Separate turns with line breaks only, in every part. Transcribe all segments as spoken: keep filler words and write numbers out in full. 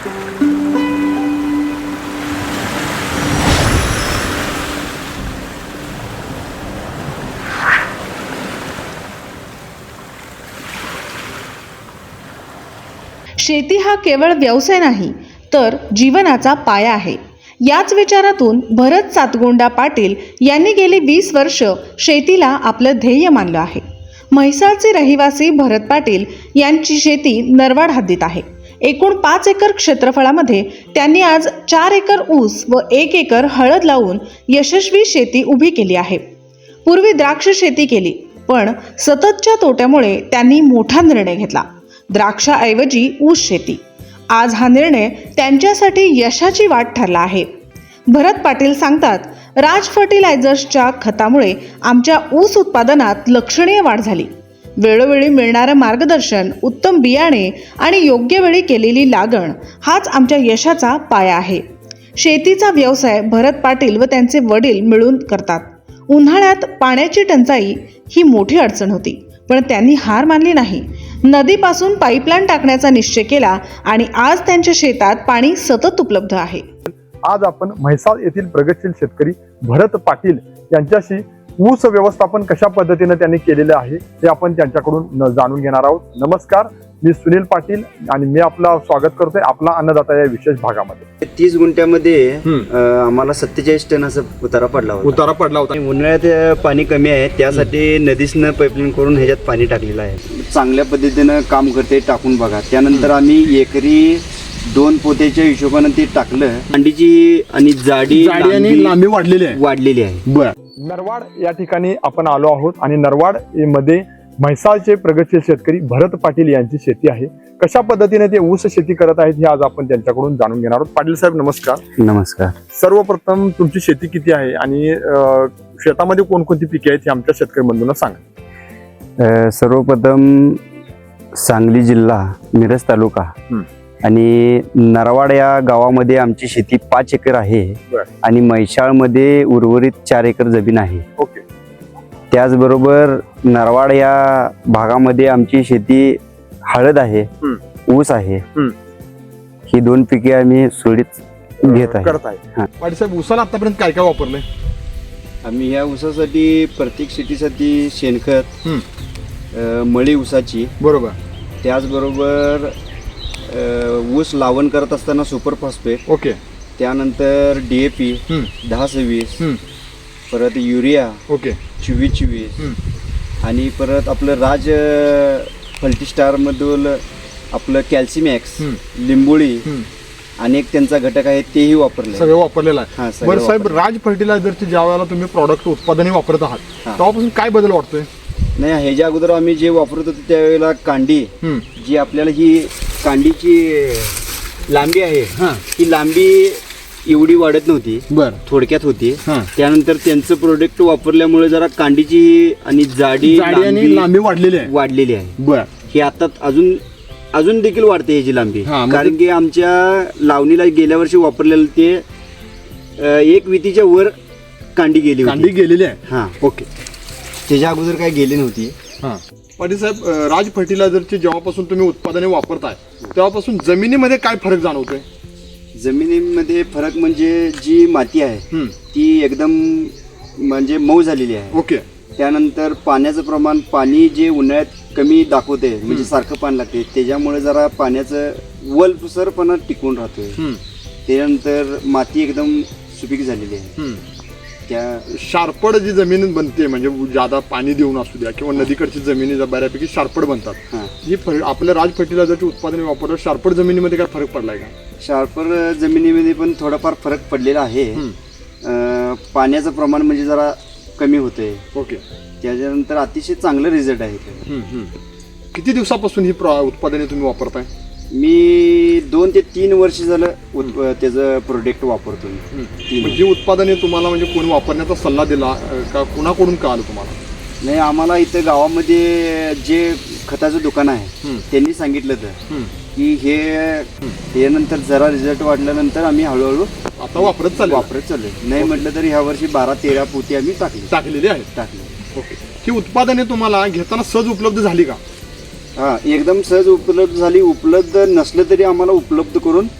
शेती हा केवळ व्यवसाय नाही तर जीवनाचा पाया आहे. याच विचारातून भरत सातगोंडा पाटील यांनी गेली वीस वर्ष शेतीला आपलं ध्येय मानलं आहे. म्हैसाळचे रहिवासी भरत पाटील यांची शेती नरवाड हद्दीत आहे. एकूण पाच एकर क्षेत्रफळामध्ये त्यांनी आज चार एकर ऊस व एक एकर हळद लावून यशस्वी शेती उभी केली आहे. पूर्वी द्राक्ष शेती केली, पण सततच्या तोट्यामुळे त्यांनी मोठा निर्णय घेतला, द्राक्षाऐवजी ऊस शेती. आज हा निर्णय त्यांच्यासाठी यशाची वाट ठरला आहे. भरत पाटील सांगतात, राज फर्टिलायझर्सच्या खतामुळे आमच्या ऊस उत्पादनात लक्षणीय वाढ झाली. वेळोवेळी मिळणारं मार्गदर्शन, उत्तम बियाणे आणि योग्य वेळी केलेली लागण हाच आमच्या यशाचा पाया आहे. शेतीचा व्यवसाय भरत पाटील व त्यांचे वडील मिळून करतात. उन्हाळ्यात पाण्याची टंचाई ही मोठी अडचण होती, पण त्यांनी हार मानली नाही. नदीपासून पाईपलाईन टाकण्याचा निश्चय केला आणि आज त्यांच्या शेतात पाणी सतत उपलब्ध आहे.
आज आपण म्हैसाळ येथील प्रगतशील शेतकरी भरत पाटील यांच्याशी ऊस व्यवस्थापन कशा पद्धतीने त्यांनी केलेले आहे हे आपण त्यांच्याकडून जाणून घेणार आहोत. नमस्कार, मी सुनील पाटील आणि मी आपला स्वागत करतोय आपला अन्नदाता या विशेष भागामध्ये.
तीस गुंठ्यामध्ये आम्हाला सत्तेचाळीस टन असं उतारा पडला होता
उतारा पडला होता
उन्हाळ्यात पाणी कमी आहे, त्यासाठी नदीसनं पाईपलाईन करून ह्याच्यात पाणी टाकलेलं आहे. चांगल्या पद्धतीनं काम करते, टाकून बघा. त्यानंतर आम्ही एकरी दोन पोत्याच्या हिशोबाने ते टाकलं. अंडीची आणि जाडी
आणि लांबी वाढलेली आहे
वाढलेली आहे
बर. नरवाड या ठिकाणी आपण आलो आहोत आणि नरवाड मध्ये म्हैसाळचे प्रगतशील शेतकरी भरत पाटील यांची शेती आहे. कशा पद्धतीने ते ऊस शेती करत आहेत हे आज आपण त्यांच्याकडून जाणून घेणार आहोत. पाटील साहेब नमस्कार.
नमस्कार.
सर्वप्रथम तुमची शेती किती आहे आणि शेतामध्ये कोणकोणती पिके आहेत हे आमच्या शेतकरी बंधूंना सांगा.
सर्वप्रथम सांगली जिल्हा, मिरज तालुका आणि नरवाड या गावामध्ये आमची शेती पाच एकर आहे आणि म्हैसाळमध्ये उर्वरित चार एकर जमीन आहे.
ओके.
त्याचबरोबर नरवाड या भागामध्ये आमची शेती हळद आहे, ऊस आहे. ही दोन पिके आम्ही सोडीत घेत आहे.
पाटील साहेब, ऊसाला आतापर्यंत काय काय वापरलंय?
आम्ही या ऊसासाठी प्रत्येक शेतीसाठी शेणखत, मळी ऊसाची,
बरोबर.
त्याचबरोबर ऊस लावण करत असताना सुपर फॉस्फेट,
ओके.
त्यानंतर डीएपी दहा सव्वीस, परत युरिया,
ओके,
चोवीस चोवीस आणि परत आपलं राज फल्टीस्टार मधून आपलं कॅल्सिमॅक्स, लिंबोळी अनेक त्यांचा घटक आहे तेही वापरले,
सगळं वापरलेलं आहे. बरं साहेब, राज फर्टिलायझरचे ज्या वेळेला तुम्ही प्रॉडक्ट उत्पादने वापरत आहात तेव्हापासून काय बदल वाटतोय?
नाही, ह्याच्या अगोदर आम्ही जे वापरत होतो त्यावेळेला कांडी जी आपल्याला ही कांडीची लांबी आहे ही लांबी एवढी वाढत नव्हती, बर थोडक्यात होती. त्यानंतर त्यांचं प्रोडक्ट वापरल्यामुळे जरा कांडीची आणि जाडी
आणि लांबी वाढलेली आहे
वाढलेली आहे बर. ही आता अजून अजून देखील वाढते ह्याची लांबी, कारण की आमच्या लावणीला गेल्या वर्षी वापरलेलं ते एक वितीच्या वर कांडी गेली
कांडी गेलेली आहे.
हा, ओके. त्याच्या अगोदर काय गेली नव्हती.
पाटील साहेब, राज फर्टिलायझरची जेव्हापासून तुम्ही उत्पादने वापरताय तेव्हापासून जमिनीमध्ये काय फरक जाणवतोय?
जमिनीमध्ये फरक म्हणजे जी माती आहे ती एकदम म्हणजे मऊ झालेली आहे.
ओके.
त्यानंतर पाण्याचं प्रमाण, पाणी जे उन्हाळ्यात कमी दाखवते म्हणजे सारखं पाणी लागते, त्याच्यामुळे जरा पाण्याचं वलसरपणा टिकून राहतोय. त्यानंतर माती एकदम सुपीक झालेली आहे. त्या
शार्पड जी जमीन बनते म्हणजे ज्यादा पाणी देऊन असू द्या किंवा नदीकडची जमिनी बऱ्यापैकी शार्पड बनतात, ही आपल्या राज फर्टिलायझरची उत्पादने वापरतात. शार्पड जमिनीमध्ये काय फरक पडलाय का?
शार्पड जमिनीमध्ये पण थोडाफार फरक पडलेला आहे. पाण्याचं प्रमाण म्हणजे जरा कमी होतंय.
ओके.
त्याच्यानंतर अतिशय चांगलं रिझल्ट आहे.
किती दिवसापासून ही उत्पादने तुम्ही वापरताय?
मी दोन ते तीन वर्ष झालं त्याचं प्रोडक्ट वापरतो.
जी उत्पादने तुम्हाला म्हणजे कोणी वापरण्याचा सल्ला दिला का, कुणाकडून का आलं तुम्हाला?
नाही, आम्हाला इथं गावामध्ये जे खताचं दुकान आहे त्यांनी सांगितलं तर की हे त्यानंतर जरा रिझल्ट वाढल्यानंतर आम्ही हळूहळू
आता वापरत चालू
वापरत चालू नाही म्हटलं तरी ह्या वर्षी बारा तेरा पोती आम्ही टाकली
टाकलेली आहेत
टाकली
ओके. ही उत्पादने तुम्हाला घेताना सहज उपलब्ध झाली का?
हा, एकदम सहज उपलब्ध झाली. उपलब्ध नसलं तरी आम्हाला उपलब्ध करून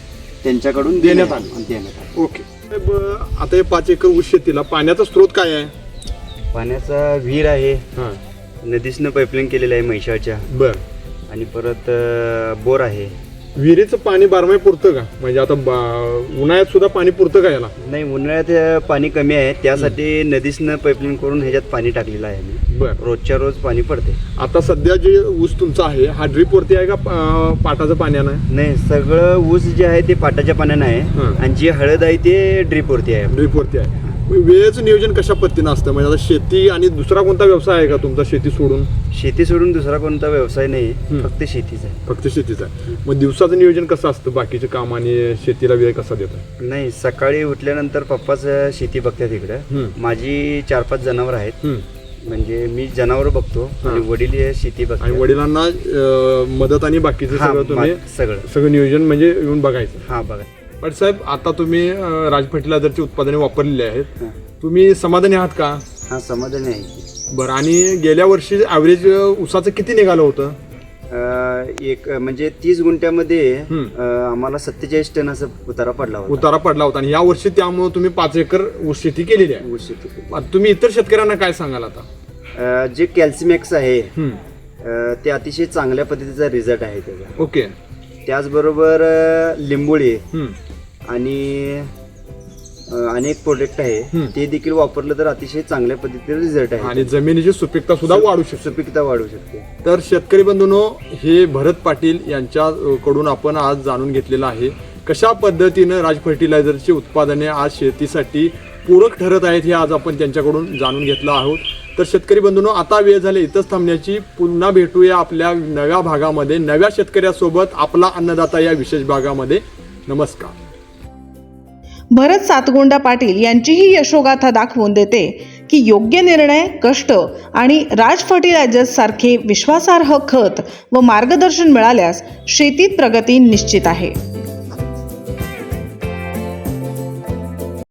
त्यांच्याकडून
देण्यात आलं.
देण्यात आलं.
ओके साहेब, आता हे पाच एकर ऊस शेतीला पाण्याचा स्रोत काय आहे?
पाण्याचा विहीर आहे,
हां
नदीसनं पाईपलाईन केलेलं आहे म्हैसाळच्या,
बर.
आणि परत अं, बोर आहे.
विहिरीचं पाणी बारमाही पुरतं का? म्हणजे आता बा- उन्हाळ्यात सुद्धा पाणी पुरतं का याला?
नाही, उन्हाळ्यात अं, पाणी कमी आहे, त्यासाठी नदीसनं पाईपलाईन करून ह्याच्यात पाणी टाकलेलं आहे मी.
बर.
रोजच्या रोज पाणी पडते.
आता सध्या जे ऊस तुमचा आहे हा ड्रीप वरती आहे का अं, पाटाचं पाण्यानं आहे?
नाही, सगळं ऊस जे आहे ते पाटाच्या पाण्यानं आहे,
हं.
आणि जी हळद आहे ते ड्रीपवरती आहे.
ड्रीप वरती आहे. वेळेचं नियोजन कशा पद्धतीनं असतं? म्हणजे आता शेती आणि दुसरा कोणता व्यवसाय आहे का तुमचा शेती सोडून?
शेती सोडून दुसरा कोणता व्यवसाय नाही,
हं.
फक्त शेतीच आहे.
फक्त शेतीचं आहे. मग दिवसाचं नियोजन कसं असतं? बाकीचे काम आणि शेतीला वेळ कसा देतो?
नाही, सकाळी उठल्यानंतर पप्पाच शेती बघतात इकडं.
हं.
माझी चार पाच जनावर आहेत,
हं.
म्हणजे मी जनावर बघतो
हां.
आणि वडील हे शेती
आणि
बघतात.
वडिलांना अं, मदत आणि बाकीचं
हां,
सगळं तुम्ही
मा- सगळं
सगळं नियोजन म्हणजे येऊन बघायचं.
हा बघा.
पण साहेब, आता तुम्ही अं, राज फर्टिलायझरची उत्पादने वापरलेली आहेत,
हां.
तुम्ही समाधानी आहात का?
हा, समाधानी आहे.
बरं. आणि गेल्या वर्षी ॲव्हरेज ऊसाचं किती निघालं होतं?
अं, एक म्हणजे तीस गुंठ्यामध्ये
हं.
अं, आम्हाला सत्तेचाळीस टन असं उतारा पडला होता.
उतारा पडला होता आणि या वर्षी त्यामुळे तुम्ही पाच एकर ऊस शेती केलेली आहे.
ऊस शेती केली.
आता तुम्ही इतर शेतकऱ्यांना काय सांगाल आता?
अं, जे कॅल्सिमॅक्स आहे
हं.
अं, ते अतिशय चांगल्या पद्धतीचा रिझल्ट आहे त्याचा.
ओके.
त्याचबरोबर अं, लिंबोळी
हं.
आणि अं, अनेक प्रोडक्ट आहे,
हं.
ते देखील वापरलं तर अतिशय चांगल्या पद्धतीने रिझल्ट आहे.
आणि जमिनीची सुपीकता सुद्धा वाढू शकते.
सुपीकता वाढू शकते.
तर शेतकरी बंधूंनो, हे भरत पाटील यांच्याकडून आपण आज जाणून घेतलेलं आहे कशा पद्धतीनं राज फर्टिलायझरची उत्पादने आज शेतीसाठी पूरक ठरत आहेत हे आज आपण त्यांच्याकडून जाणून घेतलं आहोत. तर शेतकरी बंधूंनो, आता वेळ झाली इथंच थांबण्याची. पुन्हा भेटूया आपल्या नव्या भागामध्ये नव्या शेतकऱ्यासोबत, आपला अन्नदाता या विशेष भागामध्ये. नमस्कार.
भरत सातगोंडा पाटील यांची ही यशोगाथा दाखवून देते की योग्य निर्णय, कष्ट आणि राज फर्टिलायझर्स सारखे विश्वासार्ह खत व मार्गदर्शन मिळाल्यास शेतीत प्रगती निश्चित आहे.